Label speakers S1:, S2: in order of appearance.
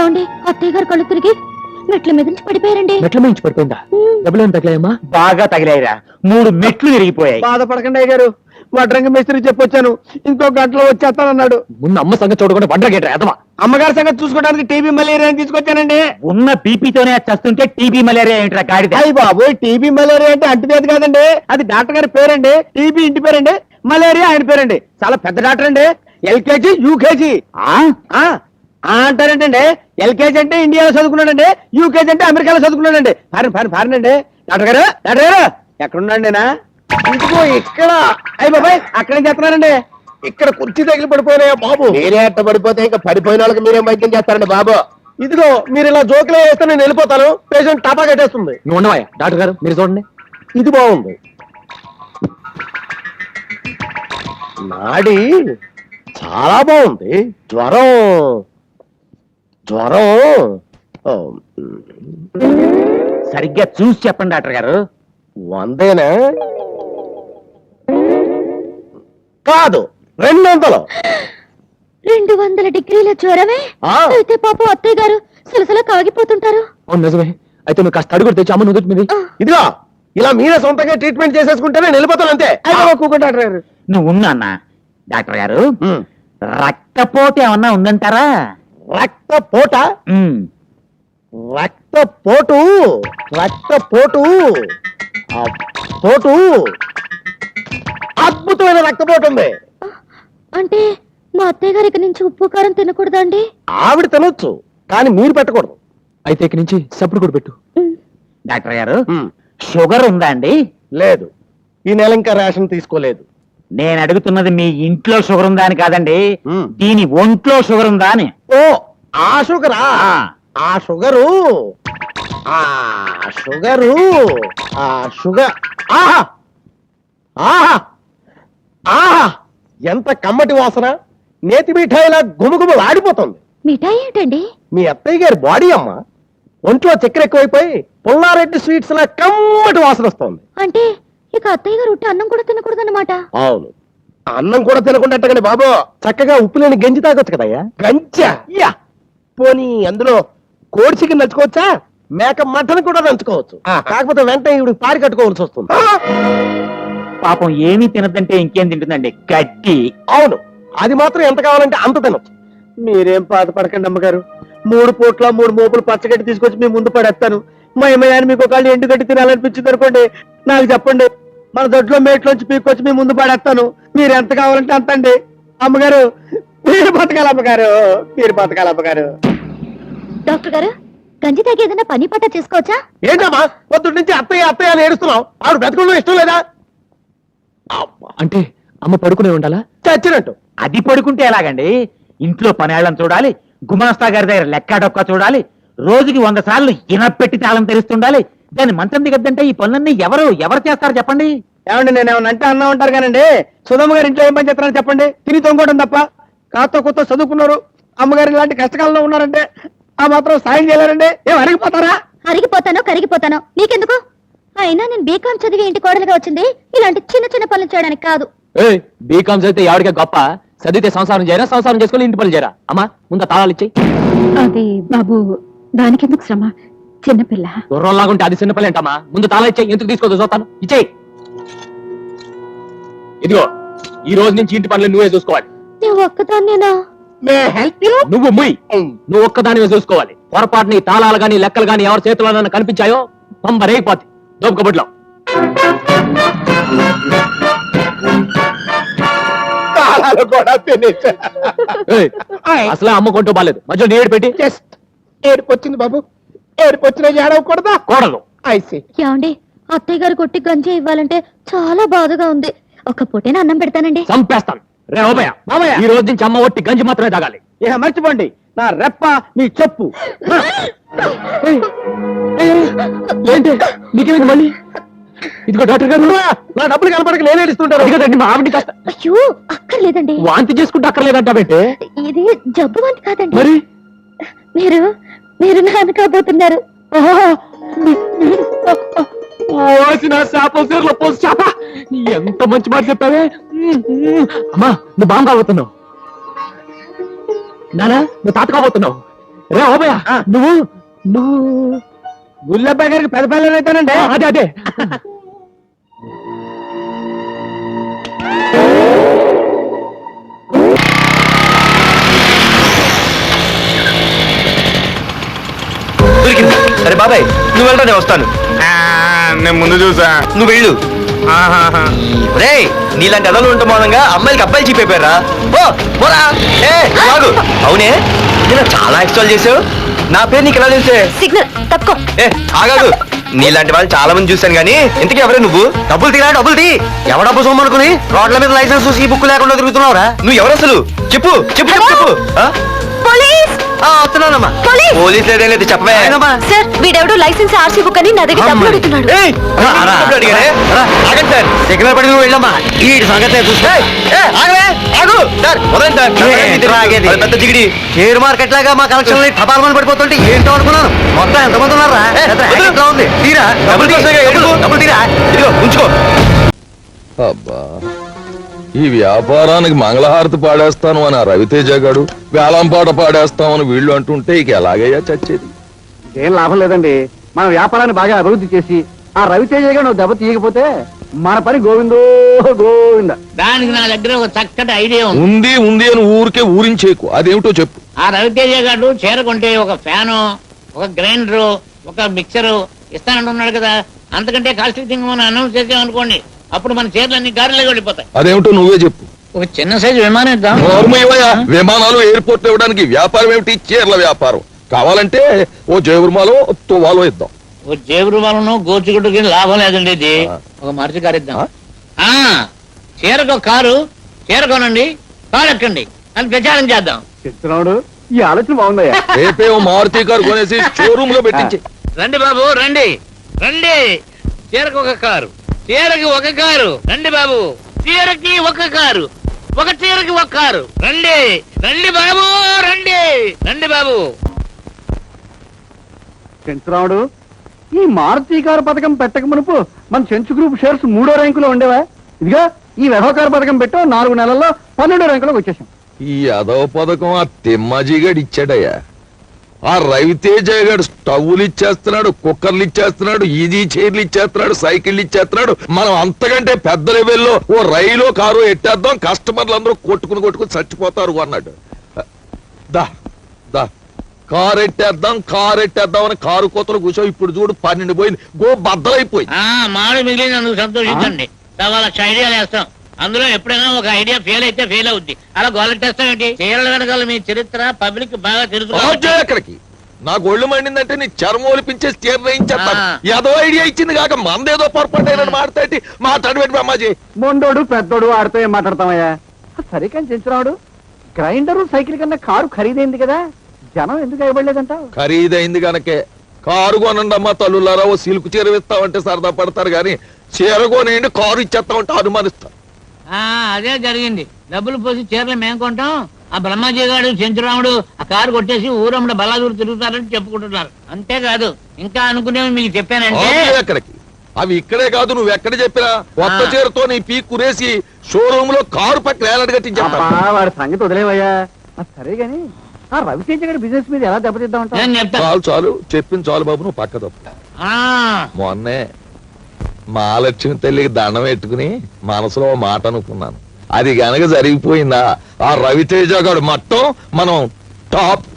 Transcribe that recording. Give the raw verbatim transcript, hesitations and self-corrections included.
S1: ఏమండి అత్తయ్య గారు కళ్ళు తిరిగి మెట్ల మీద నుంచి పడిపోయారండి.
S2: మెట్ల మీద నుంచి పడిపోయిందా? డబ్బులు ఏం తగిలాయమ్మా?
S3: బాగా తగిలాయిరా, మూడు మెట్లు విరిగిపోయాయి.
S4: బాధపడకండి అయ్య గారు, వడ్రంగి మేస్త్రి చెప్పొచ్చాను, ఇంకో గంటలో వచ్చేస్తానన్నాడు.
S2: ముందు అమ్మ సంగతి చూడకుండా వండర్ గేట్ ఎదమా.
S4: అమ్మగారి సంగతి చూసుకోవడానికి టీబీ మలేరియా తీసుకొచ్చానండి.
S3: ఉన్న బీపీతోనే చస్తుంటే టీబీ మలేరియా ఏంట్రా గాడిద?
S4: అయ్యి బాబు, టీబీ మలేరియా అంటే అంటువ్యాధి కాదండి, అది డాక్టర్ గారి పేరండి. టీబీ ఇంటి పేరండి, మలేరియా ఆయన పేరండి. చాలా పెద్ద డాక్టర్ అండి. LKG UKG అంటారేంటండి. ఎల్కేజీ అంటే ఇండియాలో చదువుకున్నాడండి, యూకేజీ అంటే అమెరికాలో చదువుకున్నాడండి. ఫారిన్ ఫారిన్ ఫారిన్ అండి. డాక్టర్ గారు డాక్టర్ గారు ఎక్కడున్నాండి? ఇంకో ఇక్కడ. అయ్యి బాబాయ్, అక్కడేం చేస్తున్నారండి?
S5: ఇక్కడ కుర్చీ తగిలి పడిపోయినాయా బాబు? మీరే అట్ట పడిపోతే ఇంకా పడిపోయిన వాళ్ళకి మీరేం వైద్యం చేస్తారండి బాబు?
S4: ఇదిగో మీరు ఇలా జోకులు వేస్తే నేను వెళ్ళిపోతాను, పేషెంట్ టాపా కట్టేస్తుంది.
S2: నువ్వు ఉండవా డాక్టర్ గారు, మీరు చూడండి.
S4: ఇది బాగుంది. నాడి చాలా బాగుంది. జ్వరం జ్వరం ఓ,
S3: సరిగ్గా చూసి చెప్పండి డాక్టర్ గారు.
S4: వందేనా? కాదు, రెండు వందలు.
S1: రెండు వందల డిగ్రీల జ్వరమే?
S4: ఆ.
S1: అయితే పాపం అత్తయ్య గారు సలసలా కాగిపోతుంటారు.
S2: అవును నిజమే. అయితే నువ్వు కాస్త అడుగుడు తెచ్చి అమ్మ నుదుటి మీద.
S4: ఇదిగో ఇలా మీరే సొంతంగా ట్రీట్మెంట్ చేసేసుకుంటే నేను వెళ్ళిపోతాను అంతే. కూకుంటాడు
S3: నువ్వు ఉన్నా అన్న. డాక్టర్ గారు, రక్తపోటు ఏమన్నా ఉందంటారా?
S4: రక్తపోట
S3: ఉమ్.
S4: రక్తపోటు రక్తపోటు ఆ పోటు అద్భుతమైన రక్తపోటు ఉంది.
S1: అంటే మా అత్తయ్య గారి ఇక నుంచి ఉప్పు కారం తినకూడదా అండి?
S4: ఆవిడ తినొచ్చు, కానీ మీరు పెట్టకూడదు.
S2: అయితే ఇక నుంచి సప్పుడు కూడా పెట్టు.
S3: డాక్టర్ గారు, షుగర్ ఉందా అండి?
S4: లేదు, ఈ నెల ఇంకా రేషన్ తీసుకోలేదు.
S3: నేను అడుగుతున్నది మీ ఇంట్లో షుగర్ ఉందా అని కాదండి,
S4: మ్.
S3: దీని ఒంట్లో షుగర్ ఉందా అని.
S4: ఓ, ఆ షుగరా? ఆ షుగరు ఆ షుగరు ఆ షుగర్ ఆహా ఆహా ఆహా ఎంత కమ్మటి వాసన! నేతి మిఠాయిలా గుమగుమలు ఆడిపోతుంది.
S1: మిఠాయి ఏంటండి?
S4: మీ అత్తయ్య గారి బాడీ అమ్మ, ఒంట్లో చక్కెర ఎక్కువైపోయి పుల్లారెడ్డి స్వీట్స్ లా కమ్మటి వాసన వస్తుంది.
S1: అంటే ఇక అత్తయ్య గారు ఉట్టి అన్నం కూడా తినకూడదన్నమాట.
S4: అవును, అన్నం కూడా తినకుండా బాబు, చక్కగా ఉప్పు లేని గంజి తాగొచ్చు కదయ్యా. గంజా? యా, పోనీ అందులో కోడి చికెన్ నంచుకోవచ్చా? మేక మటన్ కూడా నంచుకోవచ్చు. కాకపోతే వెంటనే ఇవి పారి కట్టుకోవాల్సి వస్తుంది.
S3: పాపం ఏమీ తినదంటే ఇంకేం తింటుందండి? గడ్డి.
S4: అవును, అది మాత్రం ఎంత కావాలంటే అంత తినొచ్చు. మీరేం బాధపడకండి అమ్మగారు, మూడు పూట్ల మూడు మోపులు పచ్చగడ్డి తీసుకొచ్చి మీ ముందు పడేస్తాను. మా అమ్మగారిని మీకు ఒకళ్ళు ఎండుగడ్డి తినాలనిపించింది అనుకోండి, నాకు చెప్పండి, మన దొడ్లో మేట్లోంచి పీక్కొచ్చి మీ ముందు పడేస్తాను. మీరు ఎంత కావాలంటే అంత అండి. అమ్మగారు, మీరు బతకాలి అమ్మగారు, మీరు బతకాలి అమ్మగారు.
S1: డాక్టర్ గారు, గంజి తాగి ఏదైనా పని పట్ట చేసుకోవచ్చా?
S4: ఏంటమ్మా పొద్దుటి నుంచి అత్తయ్య అత్తయ్య అని ఏడుస్తున్నావు? ఆవిడ బతకడం ఇష్టం లేదా?
S2: అంటే అమ్మ పడుకునే ఉండాలా?
S4: చచ్చినట్టు.
S3: అది పడుకుంటే ఎలాగండి? ఇంట్లో పనేళ్ళని చూడాలి, గుమాస్తా గారి దగ్గర లెక్క డొక్క చూడాలి, రోజుకి వంద సార్లు ఇనపెట్టి తాళం తెరుస్తుండాలి. దాన్ని మంచం దిగద్దంటే ఈ పనులన్నీ ఎవరు ఎవరు చేస్తారు చెప్పండి?
S4: ఏమండి, నేను ఏమన్నా అంటే అన్నా ఉంటారు కానండి. సుధమ్మ గారు ఇంట్లో ఏం పని చేస్తారని చెప్పండి? తిని తొంగోవడం తప్ప. కాస్త కొత్త చదువుకున్నారు, అమ్మగారు ఇలాంటి కష్టకాలంలో ఉన్నారంటే ఆ మాత్రం సాయం చేయలేరండి. ఏం అరిగిపోతారా?
S1: అరిగిపోతానో కరిగిపోతానో నీకెందుకు? అయినా నేను బీకాం చదివి ఇంటి కోడలుగా వచ్చింది ఇలాంటి చిన్న చిన్న పనులు చేయడానికి కాదు.
S2: బీకామ్ చదివితే ఎవరికే గొప్ప, చదివితే సంసారం చేయరా, సంసారం చేసుకుని ఇంటి పనులు చేయరా? అమ్మా ముందు తాళాలు ఇచ్చేయి.
S1: అది బాబు, దానికెందుకు శ్రమ, చిన్నపిల్ల.
S2: గుర్రంలాగుంటే అది చిన్నపిల్ల ఏంటమ్మా? ముందు తాళా ఇచ్చేయి. ఎందుకు తీసుకోదు చూస్తాను, ఇచ్చేయి. ఇదిగో, ఈ రోజు నుంచి ఇంటి పనులు నువ్వే చూసుకోవాలి.
S1: నువ్వు ఒక్కదాన్నేనా?
S2: నువ్వు ముయ్, నువ్వు ఒక్కదానివే చూసుకోవాలి. పొరపాటుని తాళాలు గాని లెక్కలు గాని ఎవరి చేతిలో కనిపించాయో పంబరేగిపోతే దోపు కబుడ్లో. అసలు అమ్మ కొంటూ బాలేదు, మధ్యలో నేడు పెట్టి
S4: ఏడుపు వచ్చింది బాబు, ఏడుపు వచ్చిన ఏడవకూడదా?
S2: కోడలు
S4: ఐసి.
S1: ఏమండి, అత్తయ్య గారు కొట్టి గంజి ఇవ్వాలంటే చాలా బాధగా ఉంది. ఒక పూటేనా అన్నం పెడతానండి.
S2: చంపేస్తాను. రే ఓబయ్య,
S4: మామయ్య,
S2: ఈ రోజు నుంచి అమ్మ ఒట్టి గంజి మాత్రమే తాగాలి.
S4: ఇక మర్చిపోండి, నా రెప్ప మీ చెప్పు.
S2: ఏంటి నీకేమైంది మళ్ళీ? ఇదిగో డాక్టర్ గారు,
S4: నా డబ్బులు కనపడక నేను ఏడుస్తుంటారు.
S2: కదండి మా ఆవిడ కాస్త
S1: అయ్యో, అక్కర్లేదండి.
S2: వాంతి చేసుకుంటే అక్కర్లేదంటావేంటే?
S1: ఇది జబ్బు వాంతి కాదండి.
S2: మరి
S1: మీరు మీరు నాన్న కాబోతున్నారు.
S2: ఎంత మంచి మాట చెప్పావే అమ్మా. నువ్వు బాగా కాబోతున్నావు నానా, నువ్వు తాత కాబోతున్నావు. రే ఓబయ్య నువ్వు నువ్వు
S4: గుల్లబ్బాయి గారికి పెద్ద పిల్లలు అయితేనండి
S2: ఆ, అదే అదే
S6: దొరికింది. సరే బాబాయ్ నువ్వు వెళ్ళరా నేను వస్తాను.
S5: నేను ముందు చూసా.
S6: నువ్వు వెళ్ళు. రే నీలాంటి అదలు ఉండటం మూలంగా అమ్మాయిలకి అబ్బాయిలు చీపైపోయారా? ఓ పోరా. ఏ ఆగు. అవునే నేను చాలా ఎక్స్ట్రాల్ చేసావు. నా పేరు నీకు ఎలా తెలిసే?
S1: సిగ్నల్ తప్పుకో.
S6: ఏ ఆగాదు. నీలాంటి వాళ్ళు చాలా మంది చూశాను కానీ ఇంతకీ ఎవరే నువ్వు? డబ్బులు తీరా డబ్బులు తీ. ఎవడ డబ్బు సొమ్మనుకుని రోడ్ల మీద లైసెన్స్ చూసి ఈ బుక్ లేకుండా తిరుగుతున్నావురా? నువ్వు ఎవరు అసలు? చెప్పు చెప్పు చెప్పు చెప్పు. ఆ?
S1: పోలీస్
S6: ఆ, వస్తున్నానమ్మా.
S1: పోలీస్!
S6: పోలీస్ లేదేం లేదు చెప్పవే.
S1: సార్ వీడెవడో లైసెన్స్ ఆర్సీ బుక్ అని నా దగ్గర డబ్బులు అడుగుతున్నాడు.
S6: ఏయ్,
S3: రా, రా.
S6: డబ్బులు అడిగారే? ఆగండి సార్.
S3: సిగ్నల్ పడి నువ్వు వెళ్ళమ్మా ఈ సంగతే చూస్తే
S6: ఏయ్, ఏయ్, ఆగవే, ఆగు. సార్, వదలండి సార్.
S3: ఏ,
S6: నాకు తెలియదు.
S3: రాగేది.
S6: అది పెద్ద జిగిడి.
S3: షేర్ మార్కెట్ లాగా మా కలెక్షన్ టపాల్మని పడిపోతుంటే ఏంటో అనుకున్నాను. మొత్తం ఎంతమంది ఉన్నారా?
S6: ఏ,
S3: పెద్ద
S6: వదిలు.
S3: racket లా ఉంది. తీరా
S6: డబ్బులు తీసేగా,
S3: డబ్బులు,
S6: ఎడుపు.
S3: డబ్బులు తీరా.
S6: ఇదిగో ఉంచుకో.
S7: అబ్బా ఈ వ్యాపారానికి మంగళహారతి పాడేస్తాను అని ఆ రవితేజ గాడు వేలంపాట పాడేస్తామని వీళ్ళు అంటుంటే ఇక ఎలాగయ్యా చచ్చేది.
S4: ఏం లాభం లేదండి. మన వ్యాపారాన్ని బాగా అభివృద్ధి చేసి ఆ రవితేజ గారు నువ్వు దెబ్బ తీయకపోతే మన పని గోవిందో గోవింద.
S8: దానికి నా దగ్గర ఒక చక్కటి ఐడియా ఉంది.
S7: ఉంది ఉంది అని ఊరికే ఊరించేకు అదేమిటో చెప్పు.
S8: ఆ రవితేజ గారు చీర కొంటే ఒక ఫ్యాను, ఒక గ్రైండరు, ఒక మిక్సరు ఇస్తానంటున్నాడు కదా. అంతకంటే కాస్ట్లీ థింగ్ మనం అనౌన్స్ చేసామనుకోండి, అప్పుడు మన చీరలన్నీ గారిలో వెళ్ళిపోతాయి.
S7: అదేమిటో నువ్వే చెప్పు.
S8: ఒక చిన్న సైజు విమానం ఇద్దాం.
S7: నోర్మయ్యా, విమానాలు ఎయిర్పోర్ట్ ఇవ్వడానికి వ్యాపారం ఏమిటి? చీరల వ్యాపారం. కావాలంటే ఓ జేబురుమాలో తువాలో ఇద్దాం.
S8: ఓ జేబురు వాళ్ళను గోచుగుడ్డుకి లాభం లేదండి. ఇది ఒక మరచి కారు ఇద్దాం. ఆ చీరకు ఒక కారు, చీర కొనండి, కారు ఎక్కండి అని ప్రచారం చేద్దాం.
S4: చెప్తున్నాడు ఈ ఆలోచన బాగుందయ్యా.
S7: రేపే ఓ మారుతి కారు కొనేసి షోరూమ్ లో పెట్టించి
S8: రండి బాబు రండి రండి. చీరకు ఒక కారు, చీరకి ఒక కారు. రండి బాబు, చీరకి ఒక కారు, ఒక చీరకి ఒక కారు. రండి రండి బాబు రండి రండి బాబు.
S4: చెంచురాముడు, ఈ మారుతి కారు పథకం పెట్టక మునుపు మన చెంచు గ్రూప్ షేర్స్ మూడో ర్యాంకులో ఉండేవా? ఇదిగా ఈ వ్యవహార పథకం పెట్టో నాలుగు నెలల్లో పన్నెండో ర్యాంకులోకి వచ్చేసాం.
S7: ఈ అదవ పథకం ఆ తిమ్మాజీగాడు ఇచ్చాడయ్యా. ఆ రవితేజ గారు స్టవ్లు ఇచ్చేస్తున్నాడు, కుక్కర్లు ఇచ్చేస్తున్నాడు, ఈజీ చైర్లు ఇచ్చేస్తున్నాడు, సైకిళ్ళు ఇచ్చేస్తున్నాడు. మనం అంతకంటే పెద్ద లెవెల్లో ఓ రైలు కారు ఎట్టేద్దాం, కస్టమర్లు అందరూ కొట్టుకుని కొట్టుకుని చచ్చిపోతారు అన్నాడు. దా దా కారు ఎట్టేద్దాం కారు ఎట్టేద్దాం అని కారు కోతలు కూర్చో. ఇప్పుడు చూడు పన్నెండు పోయింది, గో బద్దలైపోయింది.
S8: ఆ మామిడి మిగిలిన అందుకు సంతోషించండి. సవా లక్ష ఐడియాలు వేస్తాం. అందులో ఎప్పుడైనా ఒక ఐడియా ఫెయిల్ అయితే ఫెయిల్ అవుద్ది. అలా గోలెట్టేస్తాం ఏంటి? చీరల వెనకాల మీ చరిత్ర పబ్లిక్ బాగా తెలుసు.
S7: అక్కడికి నాకు ఒళ్ళు మండిందంటే నీ చర్మం ఒలిపించే చీర వేయించేస్తాను.
S8: ఆ.
S7: ఏదో ఐడియా ఇచ్చింది కాక మందేదో పొరపాటు అయినట్టు మాట్లాడి మాట్లాడి పెట్టి అమ్మాజీ.
S4: మొండోడు పెద్దోడు ఆడితో ఏం మాట్లాడతామయ్యా? సరే కానీ చెంచురాముడు, గ్రైండరు సైకిల్ కన్నా కారు ఖరీదైంది కదా, జనం ఎందుకు ఇవ్వలేదంటావు?
S7: ఖరీదైంది గనకే కారు కొనండి అమ్మా తల్లులారా, ఓ సిల్క్ చీర ఇస్తామంటే సరదా పడతారు గాని చీర కొనేయండి కారు ఇచ్చేస్తామంటే అనుమానిస్తారు.
S8: ఆ అదే జరిగింది. డబ్బులు పోసి చీరలు మేము కొంటాం, ఆ బ్రహ్మాజీ గారు చెంచురాముడు ఆ కారు కొట్టేసి ఊరమ్మడ బలాదూరు తిరుగుతారని చెప్పుకుంటున్నారు. అంతేకాదు ఇంకా అనుకునేవి మీకు చెప్పానంటే
S7: ఆపే అక్కడికి అవి ఇక్కడే కాదు, నువ్వు ఎక్కడ చెప్పినా కొత్త
S8: ఆ.
S7: చీరతో నీ పీ కురేసి షోరూమ్ లో కారు పక్కన ఏలాడు కట్టించేస్తాను.
S4: అబ్బా, వాడి సంగతి వదిలేవయ్యా. ఆ, సరే గాని ఆ రవితేజ గారి బిజినెస్ మీద ఎలా దెబ్బతిద్దామంటావు?
S8: నేను చెప్తాను.
S7: చాలు చాలు చెప్పింది చాలు బాబు, నువ్వు పక్క తప్పు.
S8: ఆ
S7: మొన్నే మహాలక్ష్మి తల్లికి దండం పెట్టుకుని మనసులో ఓ మాట అనుకున్నాను. అది గనక జరిగిపోయిందా ఆ రవితేజ గారు మొత్తం మనం టాప్